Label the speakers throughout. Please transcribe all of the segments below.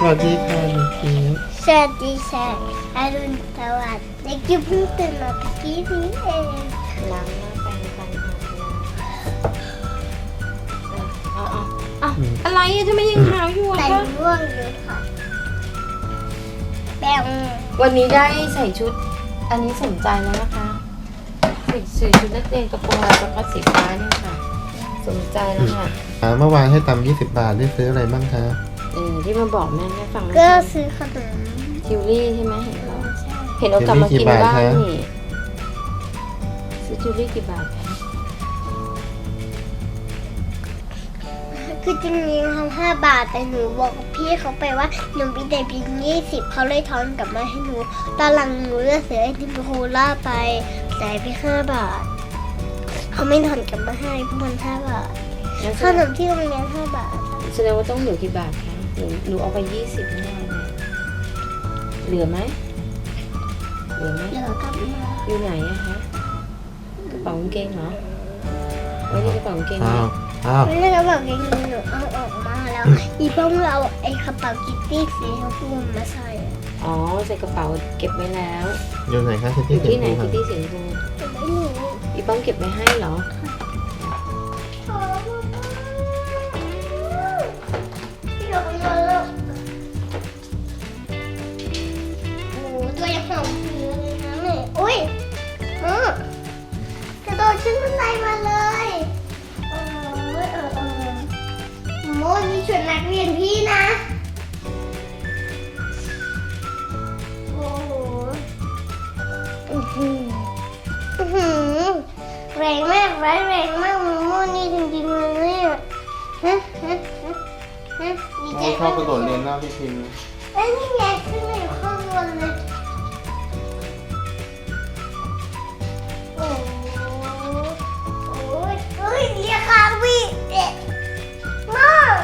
Speaker 1: วัสดีค่ะเด็กจิ๋ว
Speaker 2: สวัสดีค่ะอรุณสวัสดิ์เด็กจิ๋วเพิ่งตื่นมาเมื่อกี้นี้เอง
Speaker 3: ล้างหน้าแปรงฟันอาบน้ำอะไรอะทำไมยังหาวอยู่อะ
Speaker 2: แต่
Speaker 3: คะ
Speaker 2: ร่วงอยู่ค่ะแป้ง
Speaker 3: วันนี้ได้ใส่ชุด อันนี้สนใจแล้วนะคะใส่ชุดนักเรียนกระโปรงลายสก๊อตสีฟ้าเนี่ยค่ะ สนใจแล้วค่ะ
Speaker 1: เมื่อวานให้ตำ20 บาทได้ซื้ออะไรบ้างคะ
Speaker 3: ที่มาบอกแม่ฟัง
Speaker 2: ก็ซื้อขนม
Speaker 3: ทิวลี่ใช่ไหมเห็นเรา
Speaker 2: ใช่
Speaker 3: กลับมากินบ้างนี่ซื้อทิวลี่กี่บาทคะ
Speaker 2: คือจริงๆทำ5 บาทแต่หนูบอกพี่เขาไปว่าหนูมีแต่เพียง20เขาเลยทอนกลับมาให้หนูตอนหลังหนูจะเสียไอติมโคล่าไปแต่เพียง5 บาทเขาไม่ทอนกลับมาให้เพราะมัน5 บาทขนมที่โรงเรียน5 บาท
Speaker 3: แสดงว่าต้องเหลือกี่บาทคะหนูเอาไป20แน่เลยเหลือไหมเหลือไหม
Speaker 2: เดี๋ยวกลับมา
Speaker 3: อยู่ไหนอะคะกระเป๋ากางเกงเหรอไว้ในกระเป๋ากางเกงไหม
Speaker 1: อ้าว
Speaker 2: ไม่ได้กระเป๋าเกงหนูเอาออกมาแล้วอีป้องเอาไอ้กระเป๋ากิตตี้สีชมพูมาใส่
Speaker 3: อ๋อใส่กระเป๋าเก็บไว้แล้ว
Speaker 1: อยู่ไหนคะที่
Speaker 3: อยู่ที่ไหน
Speaker 1: ค
Speaker 3: คิตตี้สีชมพู
Speaker 2: ไม่รู้
Speaker 3: อีป้องเก็บไว้ให้เหรอ
Speaker 2: พี่เราเยอะโอ้ตัวยังหอมอยู่เลยนะแม่อุ้ยกระโดดขึ้นบันไดมาเลยโมนี่ชุดนักเรียนพี่นะโอ้โหแรงมากแรงมากโมนี่จริงๆเลยเนี่ยดีใจ
Speaker 1: ชอบกระโดดเรียนหน้าพี่พิมพ์
Speaker 2: เอ้ยนี่ไงขึ้นมาอยู่ข้างบนเลยโอ้ยเฮ้ยเรียกคาวิเด็กมาก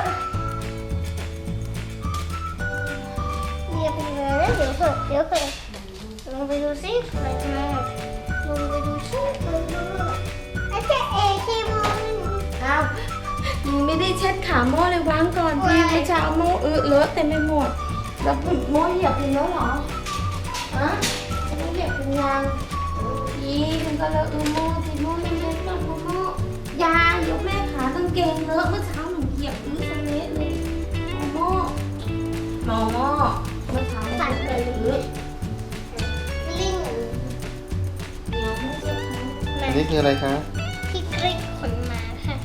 Speaker 2: เรียกไปเลยนะเดี๋ยวเถอะลงไปดูสิอะไรมาลงไปดูสิอาจารย์เอคิม
Speaker 3: อ้าวยังไม่ได้เช็ดขาโม่เลยวางก่อนพี่เมื่อเช้าโม่เลอะเต็มไปหมด แล้วโม่เหยียบเป็นแล้วเหรอฮะโม่เหยียบเป็นยังอีมันก็เลอะโม่สิโม่ยังเล็กหน่อยโม่ยายกแม่ขากางเกงเลอะเมื่อเช้าหนูเหยียบสะเละเลยโม่เมื่อเช้ามัน
Speaker 2: สั่น
Speaker 3: เล
Speaker 2: เลย
Speaker 3: อะ
Speaker 2: ลิง
Speaker 3: เดี๋ยวโม่เช็ดขา
Speaker 1: อันนี้คืออะไรคะ
Speaker 2: พี่กริ๊กขนมาค่ะ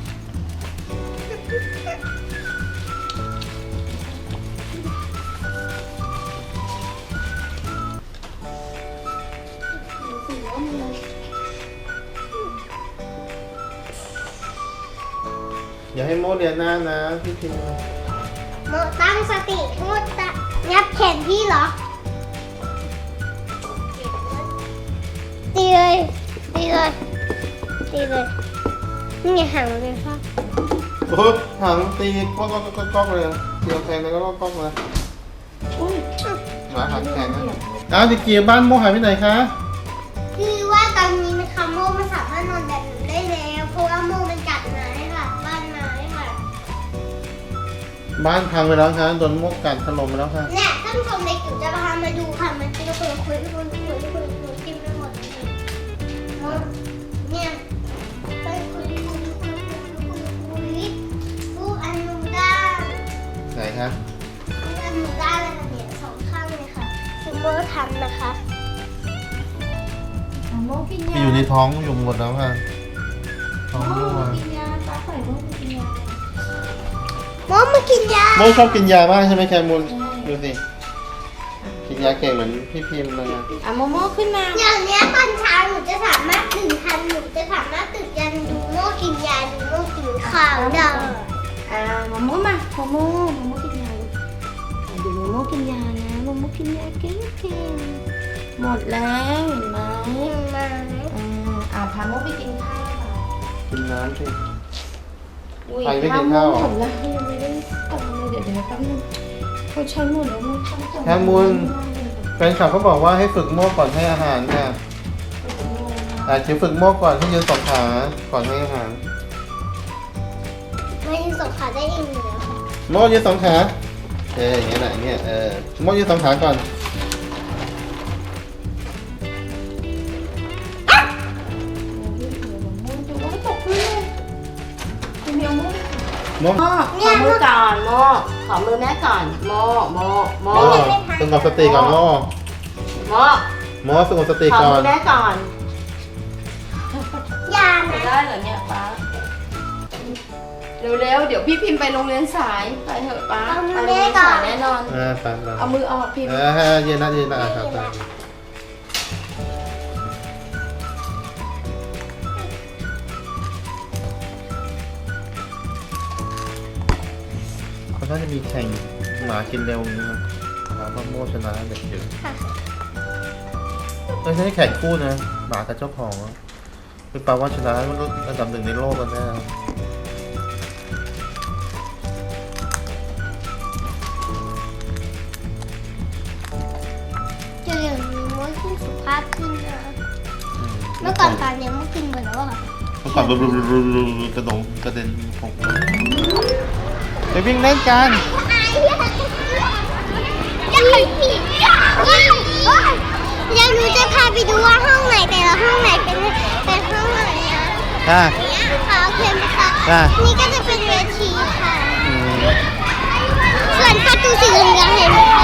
Speaker 1: อย่าให้โมเรียนหน้านะพี่พิมพ์
Speaker 2: โมตั้งสติโมตะงับแขนพี่เหรอ ตีเลยนี่ไงห่างเลยค่ะ
Speaker 1: โอ้หางตีก๊อกเลยเดียวแทงแล้วก็ก๊อกเลย
Speaker 3: อุ้ย
Speaker 1: หมาหักแขนนะอ้าวเด็กจิ๋วบ้านโมหายไปไหนคะ
Speaker 2: คือว่าตอนนี้นะคะโมมันสามารถนอนแบบหนูได้แล้วเพราะว่าโมมันกัดไม้ค่ะบ้านไม้ค่ะ
Speaker 1: บ้านพังไปแล้วคะโดนโมกัดถล่มไปแล้วค่ะ
Speaker 2: เนี่ยท่านผู้ชมเด็กจิ๋วจะพามาดูค่ะมันเป็นคนคุยกินไปหมดเลยเนี่ยไปคุยลูกอนุด้าน
Speaker 1: ไหนคะ
Speaker 2: ลูกอนุด้านเลยค่ะเนี่ย2 ข้างเลยค่ะคือโมทำนะคะ
Speaker 3: โม่กิน
Speaker 1: ที่
Speaker 3: ยา
Speaker 1: อยู่ในท้องอยู่หมดแล้วค่ะท้อง
Speaker 3: โม่
Speaker 1: รั่ว
Speaker 3: กินยาป้าปล่อยโม่กินยา
Speaker 2: โมมากินยา
Speaker 1: โมชอบกินยามากใช่ไหมแคมูลดูสิกินยาเก่งเหมือนพี่พิมพ์เลยอะ
Speaker 3: โมโม่ขึ้นมา
Speaker 2: อย่างเนี้ยตอนเช้าหนูจะสามารถตื่นทันหนูจะสามารถตื่นยันดูโมกินยาดูโมกินข้าวได้
Speaker 3: โมโม่มาโมโม่กินยาดูโมโม่กินยานะโมโม่กินยาเก่งหมดแล้วเห็นไหม
Speaker 2: มา
Speaker 3: พาโมไปกินข้าวค่ะ
Speaker 1: กินน้ำสิ
Speaker 3: อุ้ย
Speaker 1: ใครไม่กิน
Speaker 3: โม
Speaker 1: ข้าว
Speaker 3: หมดแล้วยังไม่ได้กลับมาเลยเดี๋ยวแป๊บนึงเขาใช้หมดแล้วโมต้อง
Speaker 1: แคมูลแฟนคลับเขาบอกว่าให้ฝึกโมก่อนให้อาหารค่ะจิ๋วฝึกโมก่อนให้ยืน2 ขาก่อนให้อาหาร
Speaker 2: ไม่ยืนสองขาได้เองอยู่แล้วค่ะ
Speaker 1: โมยืน2 ขาอย่างเงี้ยแหละอย่างเงี้ยโม่ยืนสองขาก่อน โม่
Speaker 3: ขอมือก่อนโมขอมือแม่ก่อนโมโม
Speaker 1: สงบสติก่อนโม่
Speaker 3: โม
Speaker 1: โม่สงบสติ
Speaker 3: ขอ
Speaker 1: ก่อ
Speaker 3: มื
Speaker 1: น
Speaker 3: อแม่ก่อน
Speaker 2: ยา
Speaker 3: จะ
Speaker 2: นะ
Speaker 3: ได้เหรอเนี่ยป้าเร็วๆเดี๋ยวพี่พิมพ์ไปโรงเรียนสายไปเถอะป้าไปโรงเรียนสายแน่นอน
Speaker 1: ไป
Speaker 3: เอามือออกพิมพ์
Speaker 1: ยืนนะครับเขาน่าจะมีแข่งหมากินเร็วนี้นะหมาบ้าโม่ชนะเด็กเยอะไม่ใช่แข่งคู่นะหมากับเจ้าของคือแปลว่าชนะอันดับหนึ่งในโลกแล้วแน่
Speaker 2: จะเรียนรู้ว่าขึ้นสุขภาพขึ้นนะเมื่อก่อนตอนนี้มันกินหมดแล้วอ่ะ
Speaker 1: เมื่อก่อนกระโดดกระเด็นหกไปวิ่งเล่นกัน
Speaker 2: ยังรู้จะพาไปดูว่าห้องไหนแต่ละห้องไหนเป็นห้องไหนอ่ะ
Speaker 1: ค่ะ
Speaker 2: เนี่ยค่ะโอเคไหมคะ
Speaker 1: ค่ะ
Speaker 2: นี่ก็จะเป็นเวทีค่ะ ส่วนประตูสีเหลืองเห็นไหมคะ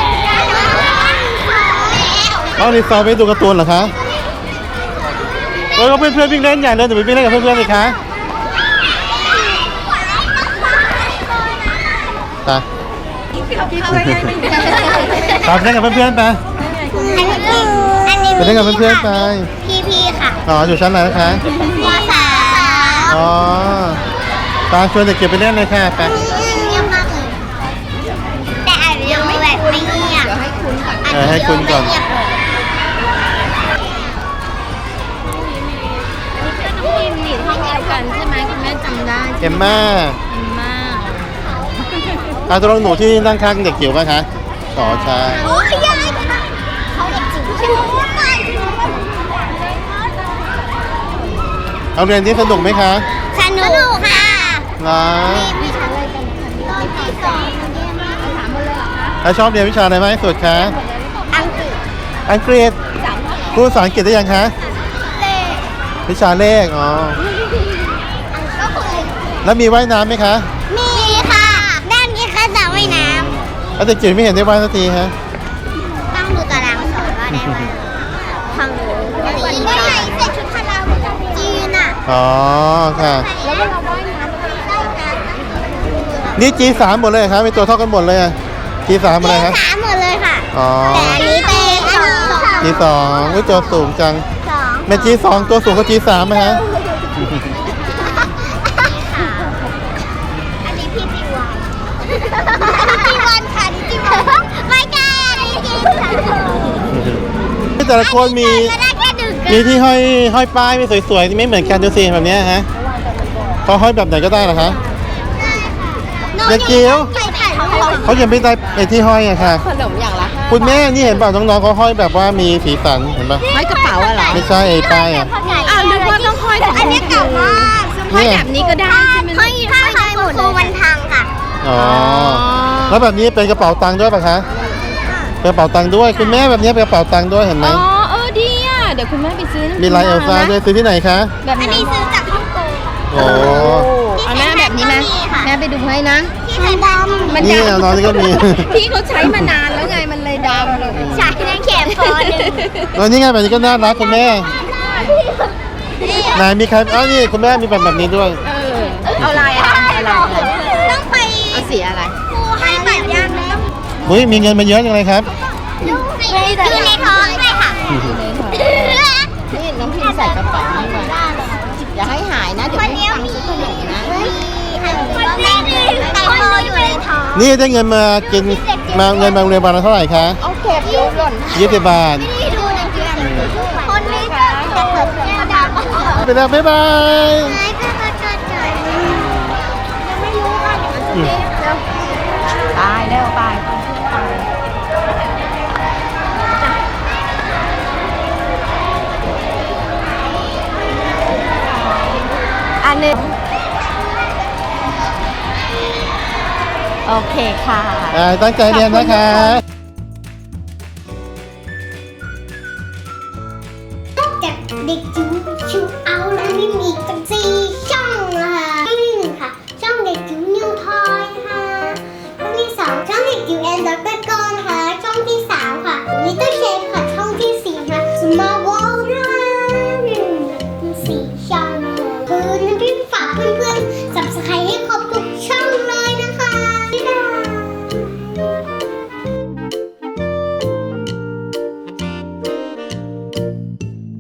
Speaker 1: เอารีสอร์ทไปดูการ์ตูนเหรอคะก็เพื่อนๆวิ่งเล่นใหญ่เลยเดี๋ยวไปวิ่งเล่นกับเพื่อนๆเลยคะไปตามเล่นกับเพื่อนๆไป
Speaker 2: อันนี้
Speaker 1: ไปเล่นกับเพื่อนๆไป
Speaker 2: พี่ค่ะ
Speaker 1: อ๋ออยู่ชั้นไหนนะคะ
Speaker 2: มสาม
Speaker 1: อ๋อตาชวนเด็กเก็บไปเล่นเลยค่ะไป
Speaker 2: เงียบมากเลยแต่อาจจะไม่แบบไม่เงียบ
Speaker 1: ให้คุณก่อน
Speaker 3: พิมพ์หนีห้องเดียวกันใช่ไหมคุณแม่จำได้
Speaker 1: เอ็มม่า
Speaker 3: มาก
Speaker 1: ตัวน้องหนูที่นั่งข้างเด็กจิ๋วป่ะคะอ๋อใช่
Speaker 2: โอ้ยยายเขาเด็กจิ๋วใช่ไหม
Speaker 1: เอาเรียนที่สนุกไหมคะ
Speaker 2: สนุกค่ะ
Speaker 1: นะ
Speaker 2: วิชาอะไรกันตอนที่สอง
Speaker 1: แล้วชอบเรียนวิชาอะไรมากที่สุดคะ
Speaker 2: อังกฤษ
Speaker 1: อังกฤษพูดภาษาอังกฤษได้ยังคะ
Speaker 2: เลข
Speaker 1: วิชาเลขอ๋อ
Speaker 2: ก็คือ
Speaker 1: แล้วมีว่ายน้ำไหมคะ
Speaker 2: มีค่ะ ด้านนี้คือสระว่ายน้
Speaker 1: แล้วเด็กจิ๋วไม่เห็นได้ว่ายสักทีฮะ
Speaker 2: ำต้องดูตารางสอนว่าได้ไหมของหนูจีนก็ใส่ชุดพละจีนอ่ะ
Speaker 1: อ๋อค่ะ
Speaker 2: แล้วเวลาว่ายน้ำได้นะ
Speaker 1: นี่ G3 หมดเลยเหรอครับเป็นตัวเท่ากันหมดเลยอะ G3 อะไรครับ
Speaker 2: สามหมดเลยค่ะ
Speaker 1: อ๋อ
Speaker 2: แต่อันนี้เป็นสอง
Speaker 1: G2 อุ้ยตัวสูงจัง
Speaker 2: สอง
Speaker 1: แม่ G2 ตัวสูงกว่า G3 ไหมฮะ
Speaker 2: อันนี้พี่จีวันจีวันค่ะจีวันไม่กล้าจริงค่ะ
Speaker 1: แต่ละคนมี
Speaker 2: ก็ได้แค่ดึก
Speaker 1: มีที่ห้อยป้ายไม่สวยๆไม่เหมือนกันดูสิแบบเนี้ยฮะเขาห้อยแบบไหนก็ได้เหรอคะ เด็กจิ๋ว
Speaker 2: ไปถ่ายรูป
Speaker 1: เขายังไม่ได้ไอ้ที่ห้อยอะค่ะ
Speaker 3: ขนมอย่างละ
Speaker 1: คุณแม่นี่เห็นเปล่าน้องๆเขาห้อยแบบว่ามีสีสันเห็นปะ
Speaker 3: ห้อยกระเป๋าอะเหรอ
Speaker 1: ไม่ใช่ไอ้ป้ายอะ
Speaker 3: อ้าวนึกว่าต้องห้อยแบบ
Speaker 2: อันนี้เก่ามาก
Speaker 3: ห้อยแบบนี้ก็ได้ใช่ไหม
Speaker 2: ห้อยหมดเลยมันพังค่ะ
Speaker 1: อ๋อแล้วแบบนี้เป็นกระเป๋าตังค์ด้วยปะคะเป็นกระเป๋าตังค์ด้วยคุณแม่แบบนี้เป็นกระเป๋าตังค์ด้วยเห็นไหม
Speaker 3: อ๋อดีอ่ะเดี๋ยวคุณแม่ไปซื้อ
Speaker 1: มีลายเอลซ่าด้วยซื้อที่ไหนคะ
Speaker 3: แบบ
Speaker 2: อัน
Speaker 3: นี้
Speaker 2: นี้ซื้อจากฮ่องกง
Speaker 1: โอ้
Speaker 3: เอาแม่แบบนี้นะแม่ไปดูให้นะ
Speaker 2: ที่ไทยดำ
Speaker 3: มัน
Speaker 1: นี่
Speaker 3: ดำ
Speaker 1: น้องนี่ก็มี
Speaker 3: พี่เขาใช้มานานแล้วไงมันเลยดำเลย
Speaker 2: ใช้ในเข็มโฟนหนึ่ง
Speaker 1: แล้วนี่ไงแบบนี้ก็น่ารักคุณแม่ไหนมีใครอ๋อนี่คุณแม่มีแบบนี้ด้วย
Speaker 3: เอาลายอะไร
Speaker 2: ต้องไป
Speaker 3: เอาสีอะไร
Speaker 2: ครูให้บัตรยังต้อง
Speaker 1: อุ้ยมีเงินมาเยอะจังเลยครับ
Speaker 2: อยู่ในท้องเลยค่ะ
Speaker 3: นี่น้องพิมใส่กระเป๋าให้มาอย่าให้หายนะเดี๋ยวไม่มีตังค์ซื้อขนมนะ
Speaker 2: คนแรกเลยไตโตอยู่ในท้อง
Speaker 1: นี่ได้เงินมากินมาเงินมาโรงเรียนวันละเท่าไหร่คะ
Speaker 3: เอาเก็บโยนหล่น
Speaker 1: 20 บาท
Speaker 2: ที่ดูในเกมคนนี้ก็จะเกิดแก้วดำ
Speaker 1: ไปแล้วบ๊ายบาย
Speaker 2: ไหนก็จะเกิดยังไม่รู้ค่ะ
Speaker 3: ตายแล้วตายอันนึงโอเคค่ะ
Speaker 1: ตั้งใจเรียนนะคะ
Speaker 2: นอกจากเด็กจิ๋วชิวเอาแล้วนี่มีอีกตั้ง